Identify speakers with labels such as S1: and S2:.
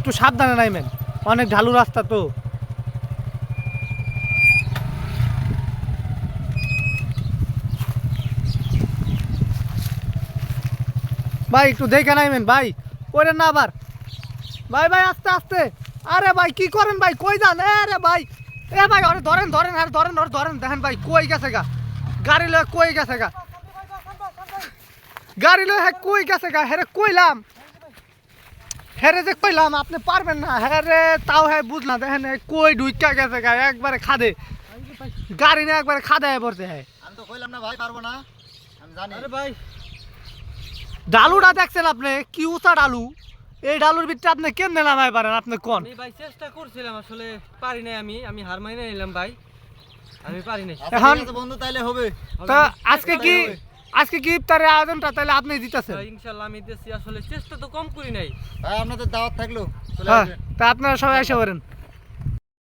S1: একটু সাবধানে নাইবেন, অনেক ঢালু রাস্তা তো। ভাই একটু দেখে নাইবেন ভাই, পড়েন না আবার। ভাই ভাই আস্তে আস্তে। আরে ভাই কি করেন ভাই, কই যান? আরে ভাই, এ ভাই ওরে ধরেন ধরেন, আর ধরেন ওরে ধরেন। দেখেন ভাই কই গেছে গা, গাড়ি লয়ে কই গেছে গা, গাড়ি লয়ে হ্যাঁ কই গেছে গা। হ্যাঁ কইলাম, হ্যাঁ যে কইলাম আপনি পারবেন না। হ্যাঁ রে তাও হ্যাঁ বুঝলাম। দেখেন কই ঢুইকা গেছে গা, একবারে খাদে, গাড়ি না একবারে খাদায় পড়ছে। হ্যাঁ
S2: আমি তো কইলাম না ভাই পারবো না, আমি জানি।
S3: আরে ভাই
S1: ডালুটা দেখছেন আপনি, কি উঁচা ডালু। এই ডালুর ভিতরে আপনি কেমনে নামাই পারেন আপনি কোন?
S3: আমি ভাই চেষ্টা করছিলাম, আসলে পারি নাই। আমি হার মাইনে নিলাম ভাই, আমি পারি নাই।
S2: আচ্ছা,
S1: এখন-
S2: ঠিক আছে বন্ধু, তাইলে হবে।
S1: তা আজকে কি ইফতারের আয়োজনটা তাহলে আপনি দিতেছেন?
S3: ভাই, ইনশাআল্লাহ আমি দিচ্ছি, আসলে চেষ্টা তো কম করি নাই।
S2: ভাই আপনাদের দাওয়াত থাকলো, চলে
S1: হ্যাঁ,
S2: আসবেন।
S1: তা আপনারা সবাই এসে পারেন।